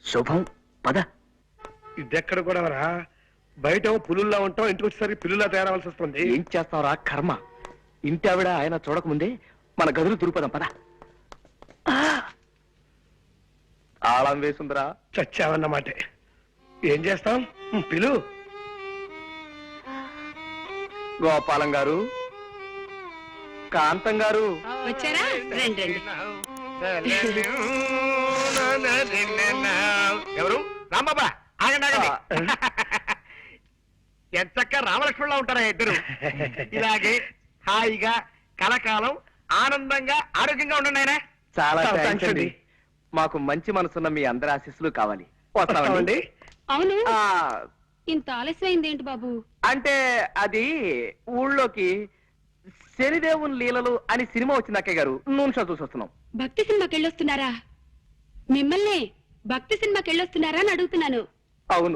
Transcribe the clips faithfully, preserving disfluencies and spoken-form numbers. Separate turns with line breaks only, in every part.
శుభం పద.
ఇదెక్కడ కూడా రా, బయట పులుల్లా ఉంటాం, ఇంటికి వచ్చేసరికి పిల్లులా తయారవలసి వస్తుంది.
ఏం చేస్తావురా కర్మ. ఇంటి ఆవిడ ఆయన చూడకముందే మన గదులు దురుపదాం పద. తాళం వేసుందిరా.
చచ్చావన్నమాట. ఏం చేస్తాం, పిలు.
గోపాలం గారు, కాంతం గారు
వచ్చారా? రండి రండి.
ఎవరు? రాంబాబా, ఆగండి ఆగండి. ఎంచక్క రామలక్ష్మణులా ఉంటారా ఇద్దరు. ఇలాగే హాయిగా కలకాలం ఆనందంగా ఆరోగ్యంగా ఉండండి ఆయన.
చాలా
చాలా
థాంక్స్
థాంక్స్
అండి.
అండి.
మాకు మంచి మనసున్న మీ అందరి ఆశీస్సులు కావాలి. వస్తామండి.
వస్తామండి.
అవును,
ఆ,
ఇంత ఆలస్యమైంది ఏంటి బాబు?
అంటే అది ఊళ్ళోకి శనిదేవుని లీలలు అని సినిమా వచ్చింది అక్కయ్య గారు. నూనె షో చూసి వస్తున్నాం.
భక్తి సినిమాకి వెళ్ళొస్తున్నారా? మిమ్మల్ని భక్తి సినిమాకి వెళ్ళొస్తున్నారా అని అడుగుతున్నాను.
అవును.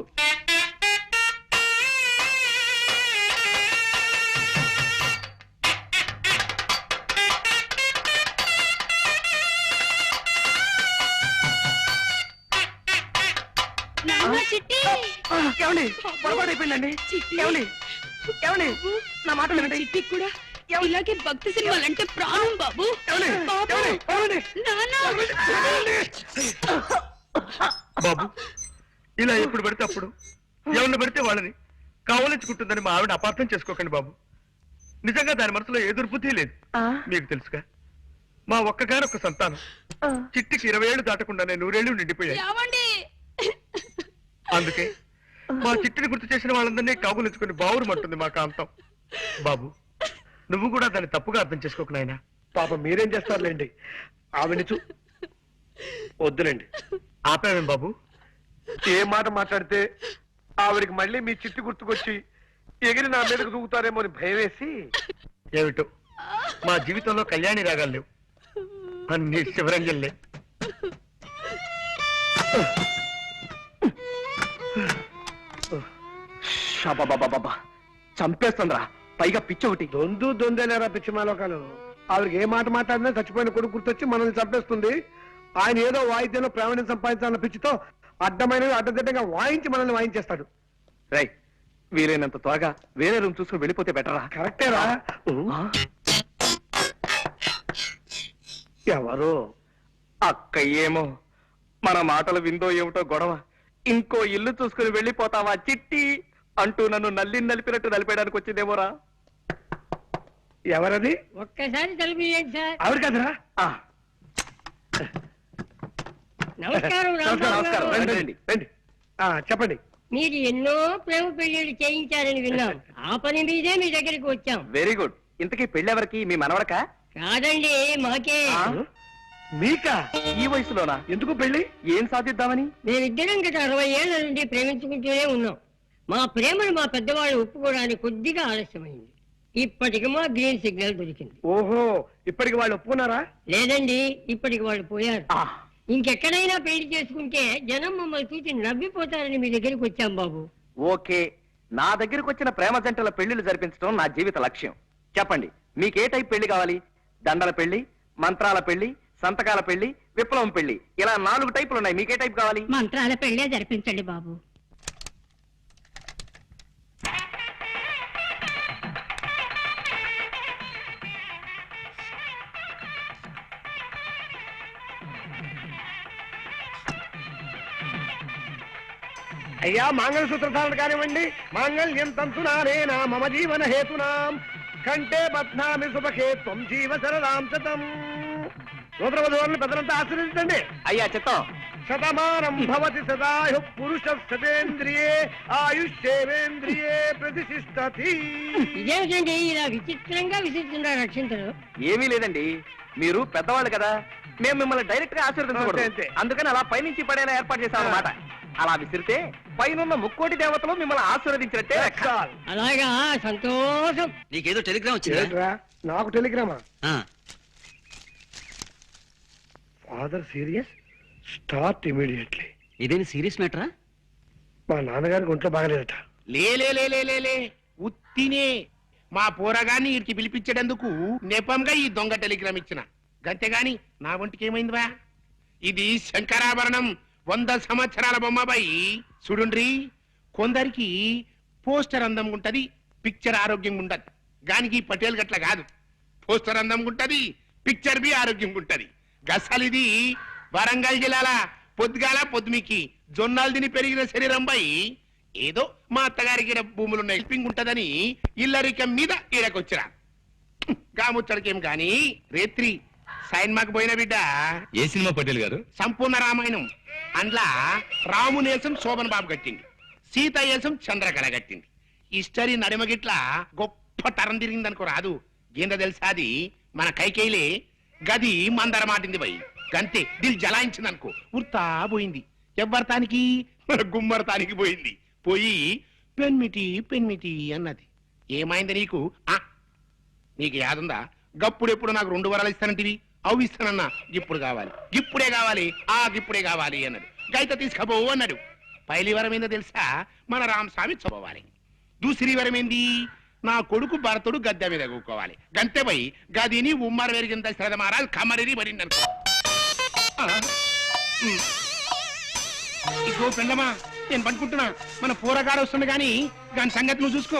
నాన్న, చిట్టి!
ఏమండి పొరపాటు అయిపోయిందండి.
చిట్టి!
ఏమండి ఏమండి నా మాట వినండి.
చిట్టి కూడా ఇలాగే భక్తి సినిమాలంటే ప్రాణం బాబు.
ఏమండి?
బాబు!
ఏమండి? ఏమండి?
నాన్న!
బాబు, ఇలా ఎప్పుడు పడితే అప్పుడు ఎవరిని పడితే వాళ్ళని కావలించుకుంటుందని మా ఆవిడ అపార్థం చేసుకోకండి బాబు. నిజంగా దాని మనసులో ఏ దుర్బుద్ధి లేదు.
ఆ,
మీకు తెలుసుగా, మా ఒక్కగానొక్క సంతానం
ఆ.
చిట్టికి ఇరవై ఏళ్ళు దాటకుండానే నూరేళ్లు నిండిపోయాయి.
ఏమండి?
అందుకే మా చిట్టిని గుర్తు చేసిన వాళ్ళందరినీ కాగులించుకుని బావురుమంటుంది మా కాంతం. బాబు, నువ్వు కూడా దాన్ని తప్పుగా అర్థం చేసుకోకు నాయనా.
పాప మీరేం చేస్తారులేండి, ఆవిడని చూ వద్దులేండి.
ఆపావేం బాబు?
ఏ మాట మాట్లాడితే ఆవిడికి మళ్ళీ మీ చిట్టి గుర్తుకొచ్చి ఎగిరి నా మీదకు దూకుతారేమో అని భయం వేసి.
ఏమిటో మా జీవితంలో కళ్యాణి రాగాలు లేవు, అన్ని శివరంజల్లే.
షాబాబాబాబా, చంపేస్తుందిరా. పైగా పిచ్చి ఒకటి.
దొందు దొందేలేరా పిచ్చిమాలోకాలు. ఆవిడకి ఏ మాట మాట్లాడినా చచ్చిపోయిన కొడుకు గుర్తొచ్చి మనల్ని చంపేస్తుంది. ఆయన ఏదో వాయిద్యంలో ప్రావీణ్యం సంపాదించాలన్న పిచ్చితో అడ్డమైనవి అడ్డదిడ్డంగా వాయించి మనల్ని వాయించేస్తాడు.
రై, వీలైనంత త్వరగా వేరే రూమ్ చూసుకుని వెళ్ళిపోతే బెటరా?
కరెక్టేరా.
ఆ?
ఎవరు?
అక్క ఏమో మన మాటలు విందో ఏమిటో గొడవ. ఇంకో ఇల్లు చూసుకుని వెళ్ళిపోతావా చిట్టి అంటూ నన్ను నల్లి నలిపినట్టు నలిపేయడానికి వచ్చిందేమోరా.
ఎవరది?
ఒక్కసారి తలుపు సార్.
ఆవిడ కదరా?
ఆ,
నమస్కారం
నమస్కారం, నమస్కారం.
రాంబాబు.
రండి, రండి, రండి. ఆ, చెప్పండి.
మీరు ఎన్నో ప్రేమ పెళ్లిళ్ళు చేయించారని విన్నాం. ఆ పని మీదే మీ దగ్గరికి వచ్చాం.
Very good. ఇంతకీ పెళ్ళెవరికి? మీ మనవడక?
కాదండి, మాకే.
ఆ?
మీకా?
ఈ వయసులోనా?
ఎందుకు పెళ్లి?
ఏం సాధిద్దామని?
మేమిద్దరం గత అరవై ఏళ్ల నుండి ప్రేమించుకుంటూనే ఉన్నాం. మా ప్రేమను మా పెద్దవాళ్ళు ఒప్పుకోవడానికి కొద్దిగా ఆలస్యమైంది. ఇప్పటికి మా గ్రీన్ సిగ్నల్ దొరికింది.
ఓహో, ఇప్పటికి వాళ్ళు ఒప్పుకున్నారా?
లేదండి, ఇప్పటికి వాళ్ళు పోయారు.
ఆ,
ఇంకెక్కడైనా పెళ్లి చేసుకుంటే జనం మమ్మల్ని చూసి నవ్విపోతారని మీ దగ్గరికి వచ్చాం బాబు.
ఓకే. నా దగ్గరకు వచ్చిన ప్రేమ జంటల పెళ్లిళ్ళు జరిపించడం నా జీవిత లక్ష్యం. చెప్పండి, మీకే టైప్ పెళ్లి కావాలి? దండల పెళ్లి, మంత్రాల పెళ్లి, సంతకాల పెళ్లి, విప్లవం పెళ్లి, ఇలా నాలుగు టైపులు ఉన్నాయి. మీకే టైప్ కావాలి?
మంత్రాల పెళ్ళే జరిపించండి బాబు.
అయ్యా, మంగళసూత్ర ధారణ కానివ్వండి. మాంగళ్యం తంతునానేనా మమ జీవన హేతునాం కంటే బధ్నామి సుభకే త్వం జీవ శరదాం శతం. సూత్ర వధువులను పెద్దలంతా ఆశీర్వదించండి.
అయ్యా చిత్తం.
శతమానం భవతి సదాయు పురుష శతేంద్రియే ఆయుష్యేంద్రియే ప్రతిష్టతి.
ఇదేమిటండి ఇలా విచిత్రంగా విసిస్తున్నారు రక్షించరు?
ఏమీ లేదండి, మీరు పెద్దవాళ్ళు కదా, మేము మిమ్మల్ని డైరెక్ట్ గా
అంతే,
ఆశీర్వదించకూడదు.
అంతే.
అందుకని అలా పైనుంచి పడేలా ఏర్పాటు చేశాం అన్నమాట. అలా విసిరితే పైనున్న ముక్కోటి దేవతలు మిమ్మల్ని ఆశీర్వదించినట్టే లెక్క.
అలాగా, సంతోషం.
నీకేదో టెలిగ్రామ్ వచ్చిందా?
ఏంట్రా, నాకు టెలిగ్రామా? Father serious, start immediately.
ఇదేని సీరియస్ మ్యాటరా?
మా నాన్నగారికి ఒంట్లో బాగలేదట.
లే లే లే లే లే లే ఉత్తినే మా పోరగాన్ని వీరికి పిలిపించేటందుకు నెపంగా ఈ దొంగ టెలిగ్రామ్ ఇచ్చిన. గంతేగాని నా ఒంటికి ఏమైందివా? ఇది శంకరాభరణం, వంద సంవత్సరాల బొమ్మబాయి చూడుండ్రి. కొందరికి పోస్టర్ అందం ఉంటది, పిక్చర్ ఆరోగ్యంగా ఉండదు. గానికి పటేల్ గట్ల కాదు. పోస్టర్ అందం ఉంటది, పిక్చర్ బి ఆరోగ్యంగా ఉంటది. గసలిది వరంగల్ జిల్లాల పొద్దుగాల పొద్దుమికి జొన్నాలు తిని పెరిగిన శరీరం బాయి ఏదో మా అత్తగారికి ఈడ భూములున్న హెల్పింగ్ ఉంటదని ఇల్లరికం మీద ఈడకొచ్చిరా. గాముచ్చడికేం గాని రేత్రి సైన్మాకు పోయిన బిడ్డ
ఏ సినిమా పటేల్ గారు?
సంపూర్ణ రామాయణం. అందులో రామునేసం శోభన్ బాబు కట్టింది, సీత ఏసం చంద్రకళ కట్టింది. హిస్టరీ నడిమగిట్ల గొప్ప తరం తిరిగింది అనుకో రాదు. ఏందో తెలుసా అది మన కైకేయిలే గది మందర మాటింది పోయి గంతే దిల్ జలాయించింది అనుకో ఉర్తా పోయింది. ఎవ్వరతానికి మన గుమ్మరతానికి పోయింది. పోయి పెన్మిటి పెన్మిటి అన్నది. ఏమైంది నీకు? ఆ నీకు యాదుందా? గప్పుడెప్పుడు నాకు రెండు వరాలు ఇస్తానంటివి, అవి ఇస్తానన్నా. ఇప్పుడు కావాలి, ఇప్పుడే కావాలి, ఆ ఇప్పుడే కావాలి అన్నాడు. గైత తీసుకపోవు అన్నాడు. పైలి వరం ఏందో తెలుసా? మన రామస్వామి చదవాలి. దూసరి వరం ఏంది? నా కొడుకు భరతుడు గద్దె మీద కూకోవాలి. గంతే పోయి గదిని ఉమ్మర వెరిగింత శ్రద్ధ మహారాజ్ కమరిని పడింది అనుకో. ఇగో పెండమా, నేను పనుకుంటున్నా. మన పూరగాడు వస్తుంది గాని దాని సంగతి నువ్వు చూసుకో.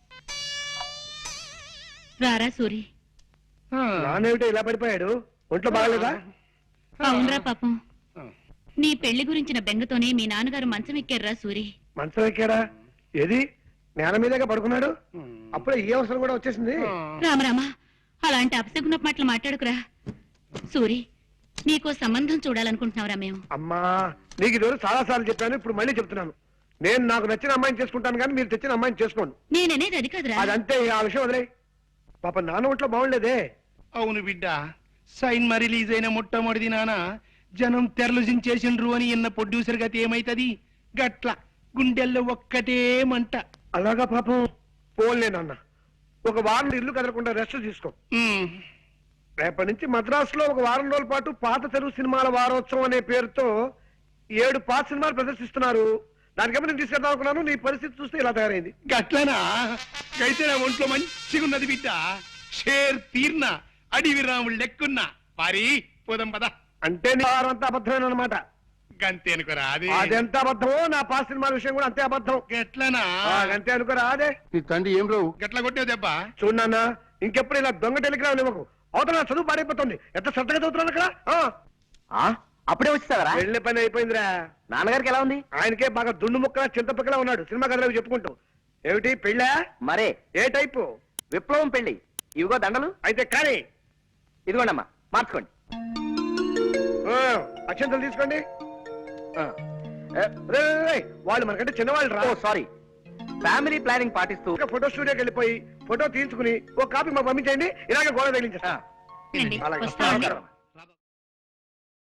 రారా సూరి.
నానేమిటో ఇలా పడిపోయాడు? ఒంట్లో బాగలేదా?
అవునరా పాపం, నీ పెళ్లి గురించిన బెంగతోనే మీ నాన్నగారు మంచం ఎక్కారురా సూరి.
మంచం ఎక్కాడా? ఏది నేల మీదగా పడుకున్నాడు? అప్పుడే ఏ అవసరం కూడా వచ్చేసింది.
రామరామా, అలాంటి అపశకున మాటలు మాట్లాడుకురా. సూరి, నీకో సంబంధం చూడాలనుకుంటున్నావురా మేము.
అమ్మా, నీకు ఈ రోజు చాలా సార్లు చెప్పాను, ఇప్పుడు మళ్ళీ చెప్తున్నాను. నేను నాకు నచ్చిన అమ్మాయిని చేసుకుంటాను కానీ మీరు తెచ్చిన అమ్మాయిని చేసుకోండి.
నేననేది అది కాదురా.
అదంతే, ఆ విషయం వదిలే. పాప నాన్న ఒంట్లో బాగుండేదే.
అవును బిడ్డ, సైన్మా రిలీజ్ అయిన మొట్టమొదటి నాన్న జనం తెరలు జించేసిండ్రు అని ఇన్న ప్రొడ్యూసర్ గతి ఏమైతది? గట్ల గుండెల్లో ఒక్కటే మంట.
అలాగా పాపం. పోన్లే నాన్న, ఒక వారం ఇల్లు కదలకుండా రెస్ట్ తీసుకో.
ఉమ్,
రేపటి నుంచి మద్రాసులో ఒక వారం రోజుల పాటు పాత తెలుగు సినిమాల వారోత్సవం అనే పేరుతో ఏడు పాత సినిమాలు ప్రదర్శిస్తున్నారు. దానికేమో నేను తీసుకెళ్దాం అనుకున్నాను. నీ పరిస్థితి చూస్తే ఇలా తయారైంది.
గట్లనా? అయితే నా ఒంట్లో మంచిగా ఉన్నది బిడ్డ. షేర్ తీర్న అడివి రాముడు లెక్కున్నా. పారి పోదాం పద.
అంటే నీ వారం అంతా అబద్ధమైన అనమాట.
గంతే అనుకోరా అది.
అదెంత అబద్ధమో నా పాత సినిమాల విషయం కూడా అంతే అబద్ధం.
గట్లనా?
ఆ, అంతే అనుకోరా అదే.
నీ తండ్రి ఏం రావు గట్ల కొట్టావు దెబ్బ.
చూడన్నా, ఇంకెప్పుడు ఇలా దొంగ టెలిగ్రామ్ ఇవ్వకు. అవతల నా చదువు పాడైపోతుంది. ఎంత శ్రద్ధగా చదువుతున్నాను అక్కడ.
ఆ అప్పుడే వచ్చేసావరా?
వెళ్ళే పని అయిపోయిందిరా.
నాన్నగారికి ఎలా ఉంది?
ఆయనకే బాగా దుండు ముక్క చింతపక్కలా ఉన్నాడు. సినిమా కథలు చెప్పుకుంటూ. ఏమిటి పెళ్ళా?
మరే
ఏ టైపు?
విప్లవం పెళ్లి. ఇవిగో దండలు.
అయితే కానీ
ఇదిగోండమ్మా, మార్చుకోండి.
ఆ, అక్షంతలు తీసుకోండి. ఆ, ఏ, రే, రే, రే, వాళ్ళు మనకంటే చిన్నవాళ్ళు రా.
ఓ సారీ. ఫ్యామిలీ ప్లానింగ్ పాటిస్తూ
ఒక ఫోటో స్టూడియోకి వెళ్ళిపోయి ఫోటో తీసుకుని ఒక కాపీ మాకు పంపించండి. ఇలాగే గోడ తగిలించేస్తా.
రండి,
అలాగే.
వస్తామండి.
నమస్కారం.